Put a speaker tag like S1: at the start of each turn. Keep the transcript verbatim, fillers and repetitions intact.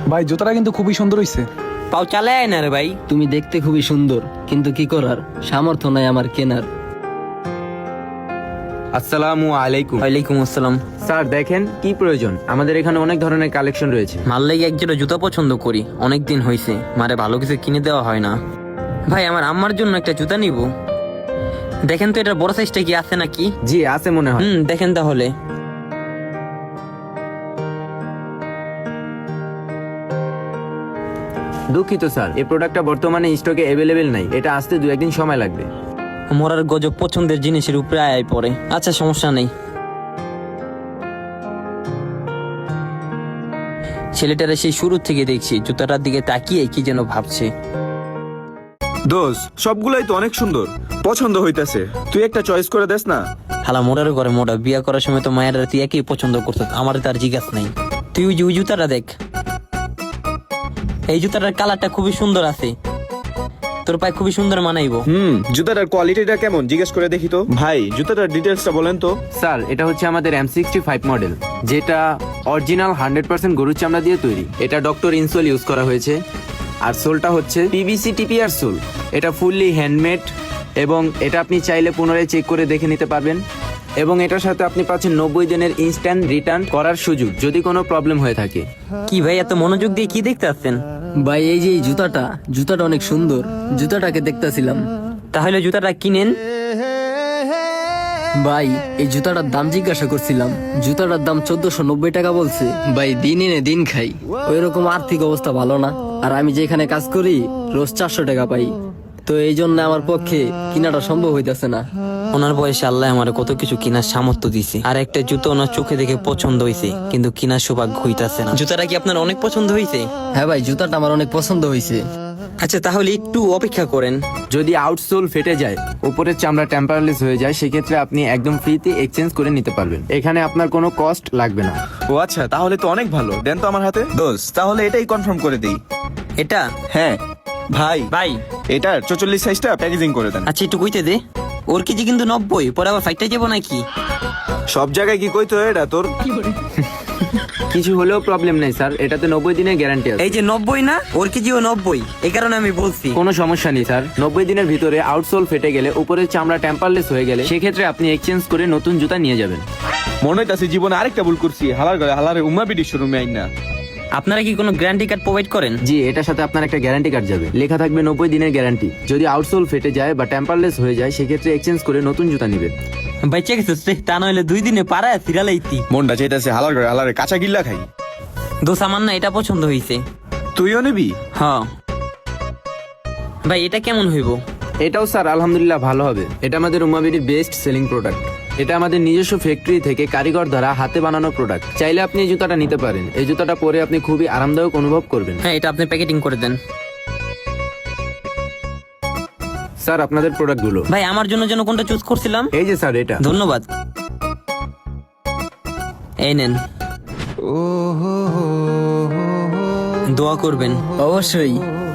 S1: ভাই জুতাটা কিন্তু খুবই সুন্দর হইছে।
S2: পাও চালে আয় না রে ভাই।
S3: তুমি দেখতে খুবই সুন্দর, কিন্তু কি করার, সামর্থ্য নাই আমার কেনার।
S4: আসসালামু আলাইকুম।
S2: ওয়ালাইকুম আসসালাম।
S4: স্যার দেখেন কি প্রয়োজন, আমাদের এখানে অনেক ধরনের কালেকশন রয়েছে।
S2: মার লেগে এক জোড়া জুতা পছন্দ করি, অনেক দিন হয়েছে মারে ভালো কিছু কিনে দেওয়া হয় না। ভাই আমার আম্মার জন্য একটা জুতা নিব, দেখেন তো এটা বড় সাইজটা কি আছে নাকি?
S4: জি আছে মনে হয়।
S2: হুম দেখেন তাহলে।
S4: দুঃখিত স্যার, এই প্রোডাক্টটা বর্তমানে স্টকে অ্যাভেলেবেল নাই, এটা আসতে দু একদিন সময় লাগবে।
S2: মোরার গজব পছন্দের জিনিসের উপরে আয় পড়ে। আচ্ছা সমস্যা নেই। ছেলেটারা সেই শুরু থেকে দেখছি জুতাটার দিকে তাকিয়ে কি যেন ভাবছে।
S5: দোষ সবগুলাই তো অনেক সুন্দর, পছন্দ হইতাছে, তুই একটা চয়েস করে দেস না।
S2: হালা মোড়ার ঘরে মোড়া, বিয়া করার সময় তো মায়ের তুই একই পছন্দ করত, আমার তার জিজ্ঞাস নাই। তুই ওই যে ওই জুতাটা দেখ, এই জুতাটার কালারটা খুবই সুন্দর আছে, তোর পায়ে খুবই সুন্দর মানাইবো।
S5: হুম, জুতাটার কোয়ালিটিটা কেমন জিজ্ঞেস করে দেখি তো। ভাই জুতাটার ডিটেলসটা বলেন তো।
S4: স্যার এটা হচ্ছে আমাদের এম সিক্সটি ফাইভ মডেল, যেটা অরিজিনাল হান্ড্রেড পার্সেন্ট গরুর চামড়া দিয়ে তৈরি। এটা ডক্টর ইনসোল ইউজ করা হয়েছে। আর সোলটা হচ্ছে পিভিসি টিপিআর সোল, এটা ফুললি হ্যান্ডমেড এবং এটা আপনি চাইলে পুনরায় চেক করে দেখে নিতে পারবেন। এবং এটার সাথে আপনি পাচ্ছেন নব্বই দিনের ইনস্ট্যান্ট রিটার্ন করার সুযোগ যদি কোনো প্রবলেম হয়ে থাকে।
S2: কি ভাই এত মনোযোগ দিয়ে কি দেখতে আসছেন?
S3: ভাই এই যে এই জুতাটা, জুতাটা অনেক সুন্দর, জুতাটাকে দেখতেছিলাম।
S2: তাহলে জুতাটা কিনেন।
S3: ভাই এই জুতাটার দাম জিজ্ঞাসা করছিলাম, জুতাটার দাম চোদ্দশো নব্বই টাকা বলছে। ভাই দিন এনে দিন খাই, ওই রকম আর্থিক অবস্থা ভালো না, আর আমি যেখানে কাজ করি রোজ চারশো টাকা পাই, তো এই জন্য আমার পক্ষে কিনাটা সম্ভব হইতেছে না।
S2: ওনার বয়সে আল্লাহ আমার কত কিছু কেনার সামর্থ্য দিছে, আর একটা জুতো ওনার চোখে দেখে পছন্দ হয়েছে, কিন্তু কেনার সৌভাগ্য হইতাছে না। জুতাটা কি আপনার অনেক পছন্দ হয়েছে?
S3: হ্যাঁ ভাই জুতাটা আমার অনেক পছন্দ হয়েছে।
S2: আচ্ছা তাহলে একটু অপেক্ষা করেন।
S4: যদি আউটসোল ফেটে যায়, উপরের চামড়া টেম্পারলেস হয়ে যায়, সেক্ষেত্রে আপনি একদম ফ্রিতে এক্সচেঞ্জ করে নিতে পারবেন, এখানে আপনার কোনো কস্ট লাগবে না।
S5: ও আচ্ছা, তাহলে তো অনেক ভালো, দেন তো আমার হাতে। দোষ তাহলে এটাই কনফার্ম করে দিই।
S2: এটা
S5: হ্যাঁ ভাই,
S2: ভাই
S5: এটার চৌচল্লিশ সাইজটা প্যাকেজিং করে দেন।
S2: আচ্ছা একটু কইতে দে, ওর কেজি কিন্তু নব্বই, পরে আবার ফাইটটা যাবো নাকি?
S5: সব জায়গায় কি কইতো এটা তোর?
S4: কিছু হলেও প্রবলেম নেই স্যার, এটাতে নব্বই দিনের গ্যারান্টি আছে।
S2: এই যে নব্বই না, ওর কেজিও নব্বই, এই কারণে আমি বলছি।
S4: কোনো সমস্যা নেই স্যার, নব্বই দিনের ভিতরে আউটসোল ফেটে গেলে, উপরের চামড়া টেম্পারলেস হয়ে গেলে, সেক্ষেত্রে আপনি এক্সচেঞ্জ করে নতুন জুতা নিয়ে যাবেন।
S5: মনে হইতাছে জীবনে আরেকটা ভুল করছি, হালার গলে হালারে উম্মা বিডি শোরুমে আইন না।
S2: আপনারা কি কোনো গ্যারান্টি কার্ড প্রোভাইড করেন?
S4: জি, এটার সাথে আপনার একটা গ্যারান্টি কার্ড যাবে, লেখা থাকবে নব্বই দিনের গ্যারান্টি। যদি আউটসোল ফেটে যায় বা টেম্পারলেস হয়ে যায়, সেক্ষেত্রে এক্সচেঞ্জ করে নতুন জুতা নেবেন।
S2: বাইচে গেছিস রে, তা নইলে দুই দিনে পাড়ায় ফিরালাইতি।
S5: মনটা চাইতাছে হালার গলে হালারে কাঁচা গিল্লা খাই।
S2: দোষ আমার না এটা পছন্দ হয়েছে।
S5: তুইও নিবি?
S2: হ্যাঁ ভাই, এটা কেমন হইব?
S4: এটাও স্যার আলহামদুলিল্লাহ ভালো হবে, এটা আমাদের উম্মাবিডির বেস্ট সেলিং প্রোডাক্ট। এটা আমাদের নিজস্ব ফ্যাক্টরি থেকে কারিগর দ্বারা হাতে বানানো প্রোডাক্ট। চাইলে আপনি এই জুতাটা নিতে পারেন, এই জুতাটা পরে আপনি খুবই আরামদায়ক অনুভব করবেন।
S2: হ্যাঁ এটা আপনি প্যাকেটিং করে দেন।
S4: স্যার আপনাদের প্রোডাক্টগুলো।
S2: ভাই আমার জন্য যেন কোনটা চুজ করছিলাম?
S4: এই যে স্যার এটা।
S2: ধন্যবাদ। এই নেন, দোয়া করবেন।
S3: অবশ্যই।